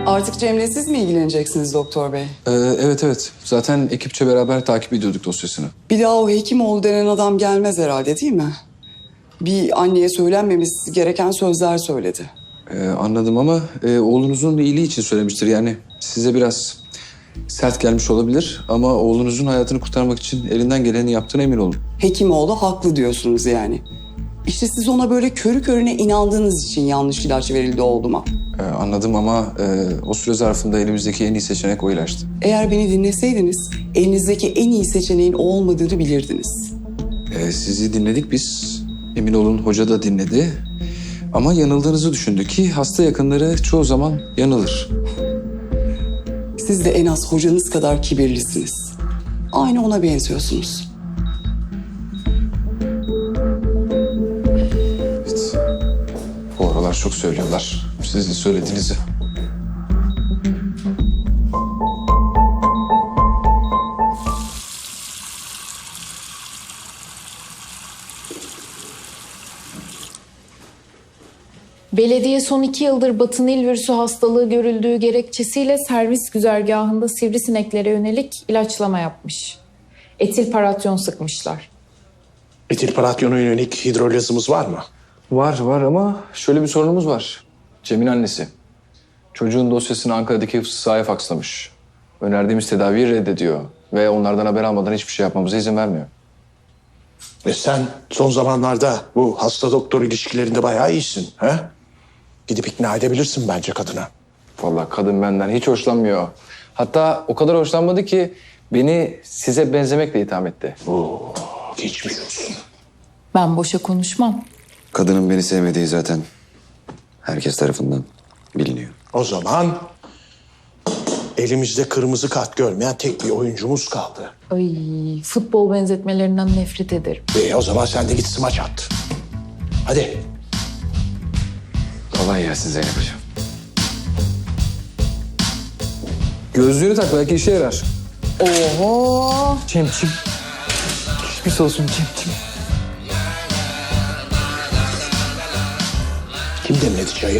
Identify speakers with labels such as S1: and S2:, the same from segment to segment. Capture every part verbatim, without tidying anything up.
S1: Artık Cem'le siz mi ilgileneceksiniz doktor bey?
S2: Ee, evet evet. Zaten ekipçe beraber takip ediyorduk dosyasını.
S1: Bir daha o Hekimoğlu denen adam gelmez herhalde değil mi? Bir anneye söylenmemesi gereken sözler söyledi.
S2: Ee, anladım ama e, oğlunuzun iyiliği için söylemiştir. Yani size biraz sert gelmiş olabilir ama oğlunuzun hayatını kurtarmak için elinden geleni yaptığına emin olun.
S1: Hekimoğlu haklı diyorsunuz yani. İşte siz ona böyle körü körüne inandığınız için yanlış ilaç verildi oğluma.
S2: Ee, anladım ama e, o süre zarfında elimizdeki en iyi seçenek o ilaçtı.
S1: Eğer beni dinleseydiniz elinizdeki en iyi seçeneğin o olmadığını bilirdiniz.
S2: Ee, sizi dinledik biz. Emin olun hoca da dinledi. Ama yanıldığınızı düşündü ki hasta yakınları çoğu zaman yanılır.
S1: Siz de en az hocanız kadar kibirlisiniz. Aynı ona benziyorsunuz.
S2: Evet. Bu aralar çok söylüyorlar sizin söylediğinizi.
S3: Belediye son iki yıldır Batı Nil virüsü hastalığı görüldüğü gerekçesiyle servis güzergahında sivrisineklere yönelik ilaçlama yapmış. Etil paratyon sıkmışlar.
S4: Etil paratyona yönelik hidrolizimiz var mı?
S2: Var var ama şöyle bir sorunumuz var. Cem'in annesi. Çocuğun dosyasını Ankara'daki hıfzı sahaya fakslamış. Önerdiğimiz tedaviyi reddediyor. Ve onlardan haber almadan hiçbir şey yapmamıza izin vermiyor.
S4: E sen son zamanlarda bu hasta doktor ilişkilerinde bayağı iyisin. He? Gidip ikna edebilirsin bence kadına.
S2: Vallahi kadın benden hiç hoşlanmıyor. Hatta o kadar hoşlanmadı ki beni size benzemekle itham etti.
S4: Oo, geçmiş olsun.
S3: Ben boşa konuşmam.
S5: Kadının beni sevmediği zaten herkes tarafından biliniyor.
S4: O zaman elimizde kırmızı kart görmeyen tek bir oyuncumuz kaldı.
S3: Ay, futbol benzetmelerinden nefret ederim.
S4: E, o zaman sen de git smaç at. Hadi.
S2: Kolay gelsin Zeynep Hocam. Gözlüğünü tak belki işe yarar.
S3: Oho!
S2: Cem'ciğim. Geçmiş olsun Cem'ciğim.
S4: Kim demledi çayı?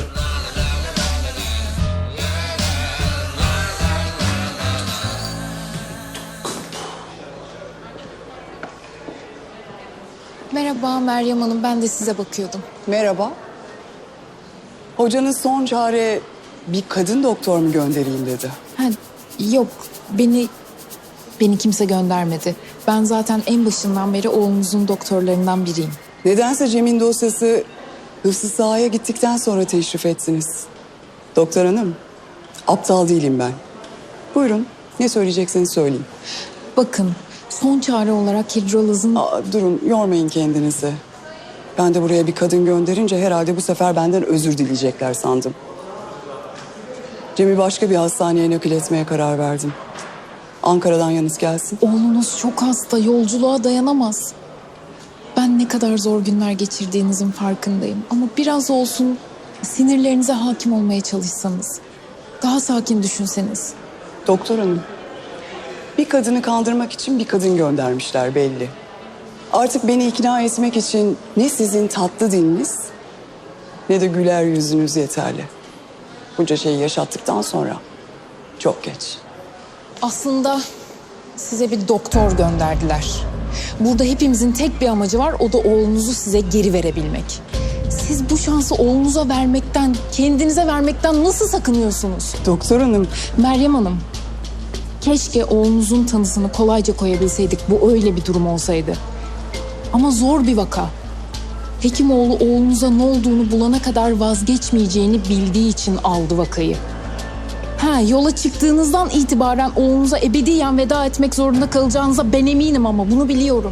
S3: Merhaba Meryem Hanım, ben de size bakıyordum.
S1: Merhaba. Hocanız son çare bir kadın doktor mu göndereyim dedi.
S3: Ha, yok, beni beni kimse göndermedi. Ben zaten en başından beri oğlunuzun doktorlarından biriyim.
S1: Nedense Cem'in dosyası hıfzı sahaya gittikten sonra teşrif ettiniz. Doktor hanım, aptal değilim ben. Buyurun, ne söyleyecekseniz söyleyin.
S3: Bakın, son çare olarak hidrolazın...
S1: Aa, durun, yormayın kendinizi. Ben de buraya bir kadın gönderince herhalde bu sefer benden özür dileyecekler sandım. Cem'i başka bir hastaneye nakil etmeye karar verdim. Ankara'dan yalnız gelsin.
S3: Oğlunuz çok hasta, yolculuğa dayanamaz. Ben ne kadar zor günler geçirdiğinizin farkındayım. Ama biraz olsun sinirlerinize hakim olmaya çalışsanız. Daha sakin düşünseniz.
S1: Doktor hanım, bir kadını kandırmak için bir kadın göndermişler belli. Artık beni ikna etmek için ne sizin tatlı diliniz ne de güler yüzünüz yeterli. Bunca şeyi yaşattıktan sonra çok geç.
S3: Aslında size bir doktor gönderdiler. Burada hepimizin tek bir amacı var, o da oğlunuzu size geri verebilmek. Siz bu şansı oğlunuza vermekten, kendinize vermekten nasıl sakınıyorsunuz?
S1: Doktor hanım,
S3: Meryem Hanım, keşke oğlunuzun tanısını kolayca koyabilseydik. Bu öyle bir durum olsaydı. Ama zor bir vaka. Hekimoğlu oğlunuza ne olduğunu bulana kadar vazgeçmeyeceğini bildiği için aldı vakayı. Ha, yola çıktığınızdan itibaren oğlunuza ebediyen veda etmek zorunda kalacağınıza ben eminim ama bunu biliyorum.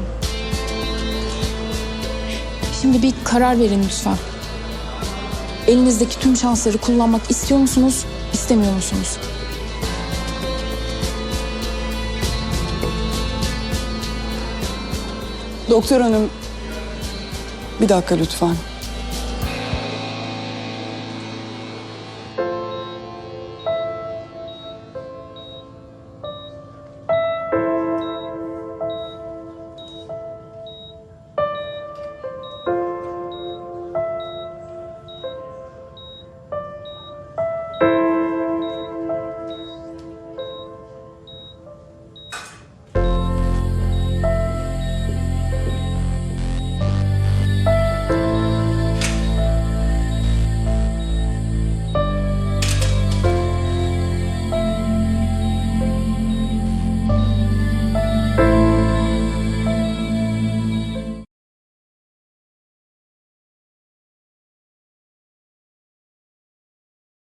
S3: Şimdi bir karar verin lütfen. Elinizdeki tüm şansları kullanmak istiyor musunuz, istemiyor musunuz?
S1: doktor hanım, bir dakika lütfen.